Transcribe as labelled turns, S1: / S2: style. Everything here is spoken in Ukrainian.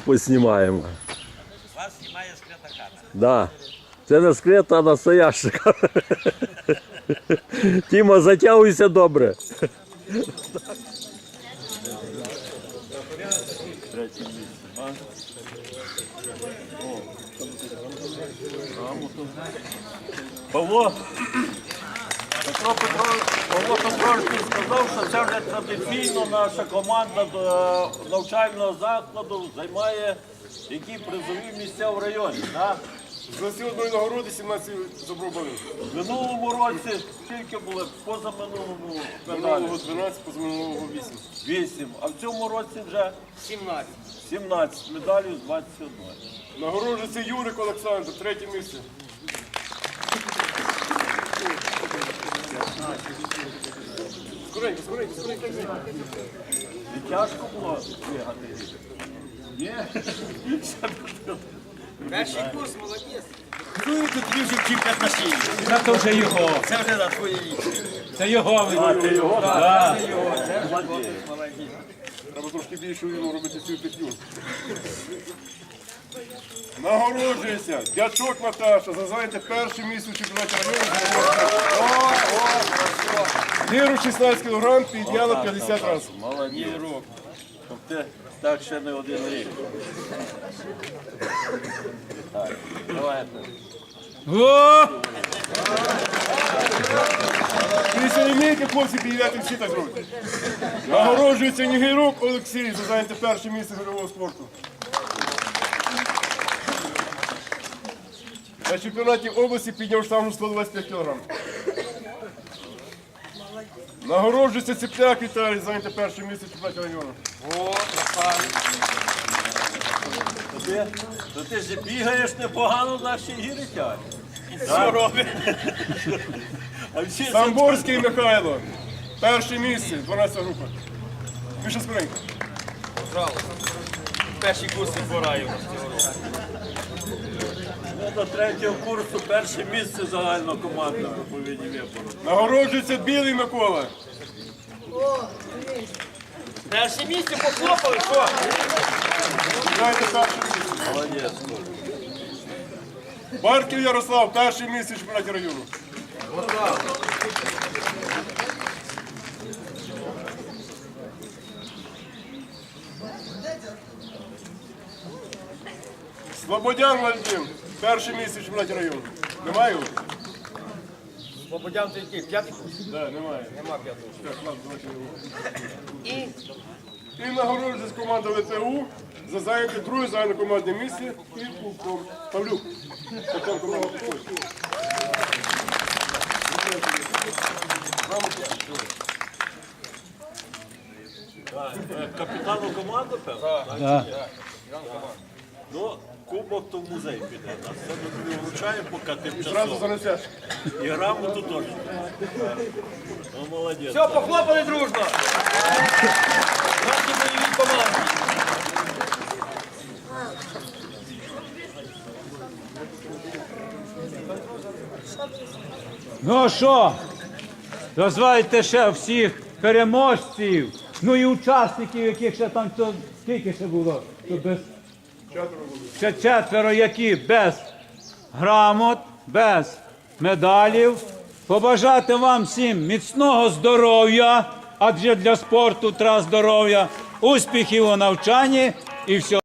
S1: поснімаємо.
S2: Вас знімає скрита камера.
S1: Да. Це не скрита, а настояща камера. Тіма, затягуйся добре.
S2: Павло Петрович сказав, що це вже традиційно наша команда до навчального закладу займає які призові місця в районі. Так?
S3: З одної нагороди 17 забробалів.
S2: В минулому році скільки було? Позаминулому
S3: Минулого 12, позаминулого 8.
S2: 8, а в цьому році вже
S4: 17.
S2: 17 медалів з 21.
S3: Нагороджується Юрик Олександр, 3 місце. Скоренько.
S2: Не тяжко було бігати? Ні?
S4: Перший курс, молодець.
S5: Ну, тут дуже чемпіонат на шиї.
S6: Це вже його.
S5: Це вже на твоїй лінії.
S6: Це його.
S2: А, ти його?
S6: Да.
S2: Молодець.
S3: Треба трошки більше йому робити цю петлю. Нагороджується Дячок Наташа, займаєте перше місце у чемпіонаті району. Віру 16 кг, підняла 50 разів.
S2: Молодець. Щоб ти так ще не один рік. Так, давайте.
S6: О!
S3: Після лінійки хлопці підійдете всі так зроблять. Нагороджується Нігірук Олексій, займаєте перше місце гольового спорту. На чемпіонаті області підняв штангу 125 кг. Нагороджується Цепляк Віталій, зайняте перше місце в чемпіонаті району.
S2: То ти ж бігаєш непогано, наші гіри тягнеш.
S5: І що робить?
S2: А всі
S3: Самборський Михайло, перше місце, 12 група. Більше скоренько.
S5: Перший курс відбираю у нас цього року.
S2: до 3-го курсу перше місце загально командне по повинні вибору.
S3: Нагороджується Білий Микола.
S5: Перше місце похлопали, що?
S3: Займаєте перше місце.
S2: Молодець.
S3: Барків Ярослав, перше місце в чемпіонаті району. Слободян Вальдін, перше місце в чемпіонаті району. Немає його?
S5: Слободян це який? П'ятий курс?
S3: Так, немає.
S5: Нема п'ятого.
S3: Так, ладно, давайте його. І нагороджується команда ВТУ за зайняте друге загальнокомандне місце і кубком. Павлюк. Потім команда підходить.
S2: Капітану команди, певно?
S6: Да.
S2: Ну, кубок то в музей піде. Нас це ми тобі вручаємо поки
S3: Зразу
S2: тимчасово.
S3: занесеш.
S2: І грамоту теж. Ну, молодець.
S5: Все, похлопали дружно. Наші бойові команди.
S6: Ну що, дозвольте ще всіх переможців, ну і учасників, яких ще там, скільки ще було? Ще четверо, які без грамот, без медалів. Побажати вам всім міцного здоров'я, адже для спорту треба здоров'я, успіхів у навчанні і всього.